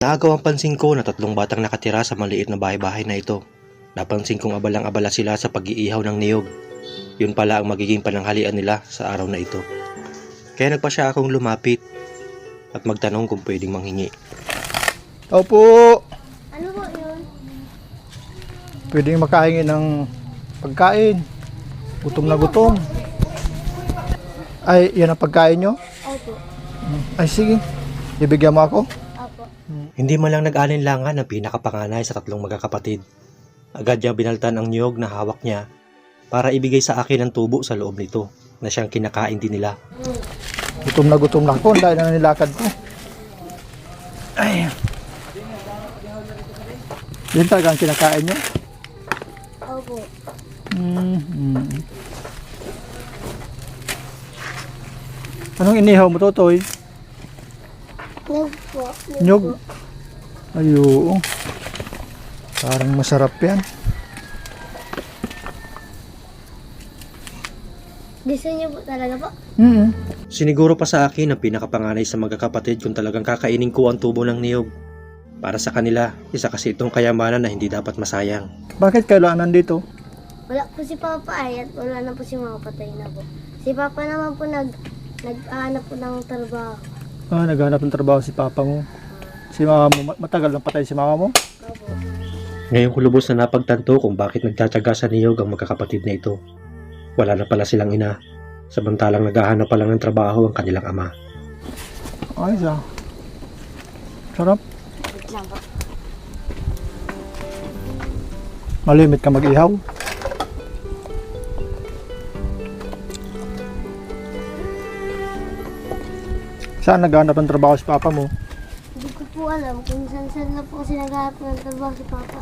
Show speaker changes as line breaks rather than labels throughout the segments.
Naagaw ang pansin ko na 3 batang nakatira sa maliit na bahay-bahay na ito. Napansin kong abalang-abala sila sa pag-iihaw ng niyog. Yun pala ang magiging pananghalian nila sa araw na ito. Kaya nagpasya akong lumapit at magtanong kung pwedeng manghingi.
Opo,
Ano po yun?
pwedeng makahingi ng pagkain. Gutom na gutom. Ay, yan ang pagkain nyo?
Opo.
Ay, sige. Ibigyan mo ako?
Opo.
Hindi man lang nag-alinlangan ang pinakapanganay sa 3 magkakapatid. Agad niya binaltan ang niyog na hawak niya para ibigay sa akin ang tubo sa loob nito na siyang kinakain din nila.
Gutom na ako. Dahil na nilakad ko. Ay. Yan talaga ang kinakain nyo?
Opo.
Anong inihaw mo, Totoy?
Nyug po.
Nyug? Ayo. Parang masarap yan.
Gusto niyo po talaga po?
Siniguro pa sa akin ang pinakapanganay sa magkakapatid kung talagang kakainin ko ang tubo ng niyog. Para sa kanila, isa kasi itong kayamanan na hindi dapat masayang.
Bakit kailangan nandito?
Wala po si Papa ay at wala na po si Mama, patay na po. Si Papa naman po nag-aanap po ng trabaho.
Ah, naghanap ng trabaho si Papa mo. Si Mama mo, matagal nang patay si Mama mo?
Opo.
Ngayon ko lubos na napagtanto kung bakit nagtsatsaga sa niyog ang magkakapatid na ito. Wala na pala silang ina, samantalang naghahanap pa lang ng trabaho ang kanilang ama.
Ay, sarap.
Wait lang po.
Malimit ka mag-ihaw. Saan naghanap ng trabaho si Papa mo?
Hindi ko po alam kung saan na po kasi naghahanap ng trabaho si Papa.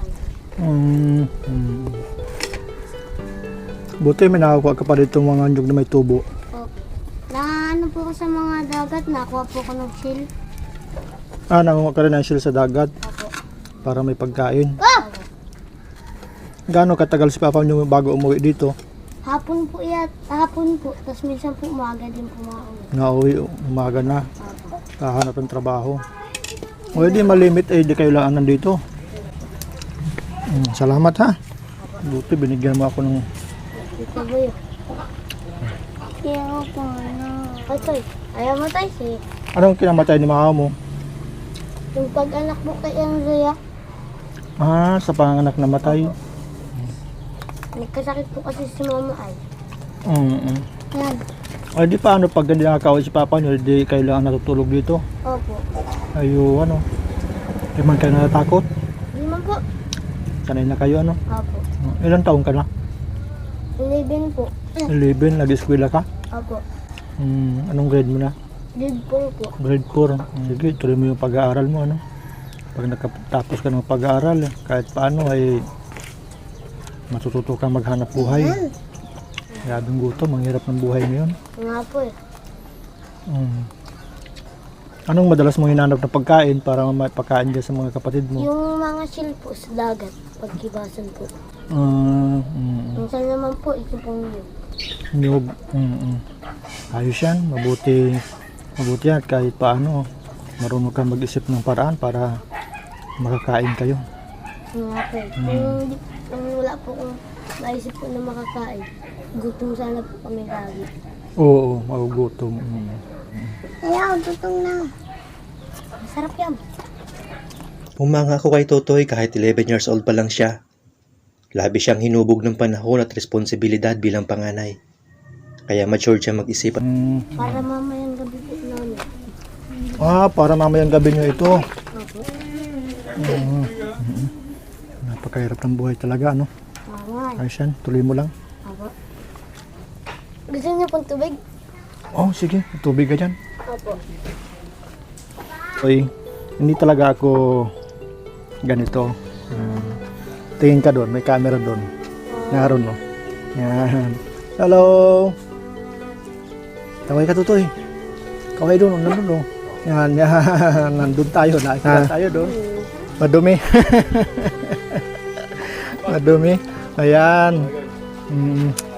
Buti may nakakuha ka pa dito mga nyug na may tubo.
Opo. Naano po ko sa mga dagat, nakuha po ko ng shell.
Ah, nangunga ka rin ng shell sa dagat
Opo.
para may pagkain.
Oh!
Gaano katagal si Papa nyo bago umuwi dito?
Hapon po hapon po. Tapos minsan po umaga din po mauwi.
Nauwi, umaga na.
Opo.
Kahanap ng trabaho. O di malimit eh, di kayo lang nandito. Salamat ha. Buti binigyan mo ako ng...
Ito ba yun? Kaya ko na. Ay, Toy. Ayaw mo, Toy. Si
Anong kinamatay ni Mama mo?
yung pag-anak mo kay Andrea,
Ah, sa panganak na matay.
nagkasakit po kasi si Mama ay. Yan.
Ay di paano pag hindi nakakawin si Papa nyo, di kailangan natutulog dito?
Opo.
Ayo, ano? Di man kayo natatakot?
Hindi man po.
Sanay na kayo, ano?
Opo.
Ilang taon ka na?
11 po.
11, nag-eskwela ka?
Opo.
Anong grade mo na?
Grade 4 po.
Grade 4. Sige, tuloy mo yung pag-aaral mo, ano? Pag nakatapos ka ng pag-aaral, kahit paano ay matututo kang maghanap buhay. Grabing gutom, ang hirap ng buhay ngayon.
Nga po eh.
Anong madalas mong hinanap na pagkain para may pagkain dyan sa mga kapatid mo?
Yung mga shell po sa dagat, pagkibasan po.
Mm.
Minsan naman po, ito pong yun.
Nyug. Ayos yan, mabuti yan kahit paano marunong kang mag-isip ng paraan para makakain kayo.
Nga po eh. Kung wala po kung maisip po na makakain, gutom sana po kami lagi.
Oo, magugutom.
Ayaw, tutong na. Masarap yan.
Pumanga ako kay Totoy kahit 11 years old pa lang siya. Labi siyang hinubog ng panahon at responsibilidad bilang panganay. Kaya mature siya mag-isip.
Para mamayang gabi po namin.
Para mamayang gabi nyo ito.
Opo.
Napakahirap ng buhay talaga, ano?
Mga.
Ayos yan, tuloy mo lang.
Opo. Gusto niyo pong tubig?
Oh, sige, tubig ka dyan.
Opo.
Oy, hindi talaga ako ganito. Tingin ka doon, may camera doon. Naroon mo. Yan. Hello. Kaway ka, Tutoy. Kaway doon, nandun. Yan. Nandun tayo, nakikita tayo doon. Madumi. Madumi. Ayan.